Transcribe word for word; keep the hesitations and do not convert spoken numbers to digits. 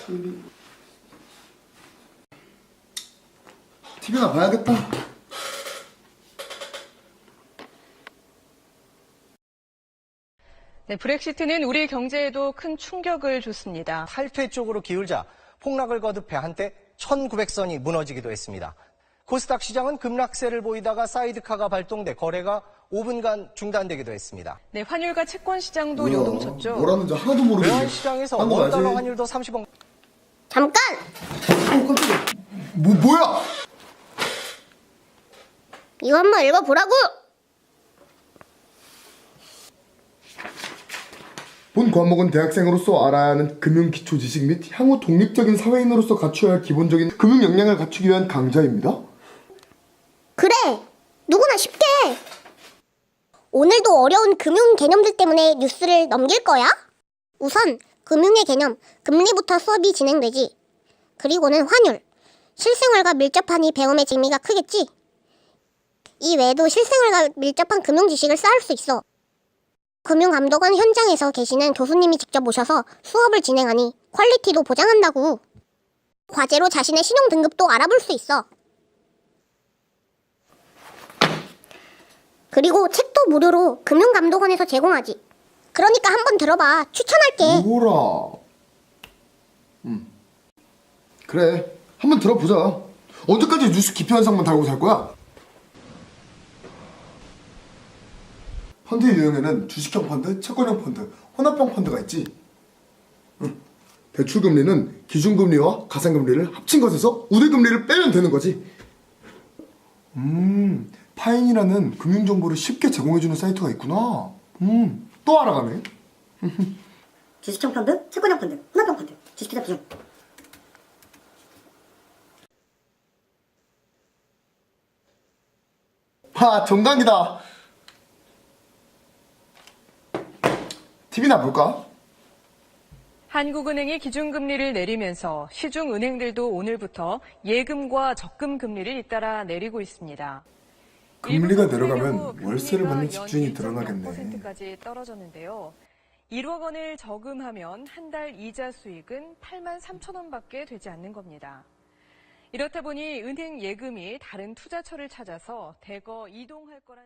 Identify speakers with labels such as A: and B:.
A: 티비나 봐야겠다.
B: 네, 브렉시트는 우리 경제에도 큰 충격을 줬습니다.
C: 탈퇴 쪽으로 기울자 폭락을 거듭해 한때 천구백 선이 무너지기도 했습니다. 코스닥 시장은 급락세를 보이다가 사이드카가 발동돼 거래가 오 분간 중단되기도 했습니다.
B: 네, 환율과 채권 시장도
A: 뭐야,
B: 요동쳤죠.
A: 뭐라는지 하나도 모르겠네.
C: 외환 시장에서
A: 한거
C: 원달러
A: 봐야지.
C: 환율도 삼십 원.
D: 잠깐!
A: 어, 깜짝이야. 뭐, 뭐야?
D: 이거 한번 읽어보라고!
A: 본 과목은 대학생으로서 알아야 하는 금융 기초 지식 및 향후 독립적인 사회인으로서 갖춰야 할 기본적인 금융 역량을 갖추기 위한 강좌입니다.
D: 그래! 누구나 쉽게! 오늘도 어려운 금융 개념들 때문에 뉴스를 넘길 거야? 우선 금융의 개념, 금리부터 수업이 진행되지. 그리고는 환율, 실생활과 밀접하니 배움의 재미가 크겠지? 이 외에도 실생활과 밀접한 금융 지식을 쌓을 수 있어. 금융감독원 현장에서 계시는 교수님이 직접 오셔서 수업을 진행하니 퀄리티도 보장한다고. 과제로 자신의 신용 등급도 알아볼 수 있어. 그리고 책도 무료로 금융감독원에서 제공하지. 그러니까 한번 들어봐. 추천할게.
A: 뭐라? 음. 그래, 한번 들어보자. 언제까지 뉴스 기표 현상만 달고 살 거야? 펀드 유형에는 주식형 펀드, 채권형 펀드, 혼합형 펀드가 있지. 응. 대출금리는 기준금리와 가산금리를 합친 것에서 우대금리를 빼면 되는 거지. 음, 파인이라는 금융정보를 쉽게 제공해주는 사이트가 있구나. 음, 또 알아가네.
E: 주식형 펀드, 채권형 펀드, 혼합형 펀드, 주식 투자 비중.
A: 하, 정강이다. 티비나 볼까?
B: 한국은행이 기준금리를 내리면서 시중은행들도 오늘부터 예금과 적금 금리를 잇따라 내리고 있습니다.
A: 금리가
B: 일부
A: 내려가면
B: 금리로
A: 월세를
B: 금리가
A: 받는 집주인이
B: 연 일 점 영
A: 드러나겠네.
B: 퍼센트까지 떨어졌는데요. 일억 원을 저금하면 한 달 이자 수익은 팔만 삼천 원밖에 되지 않는 겁니다. 이렇다 보니 은행 예금이 다른 투자처를 찾아서 대거 이동할 거란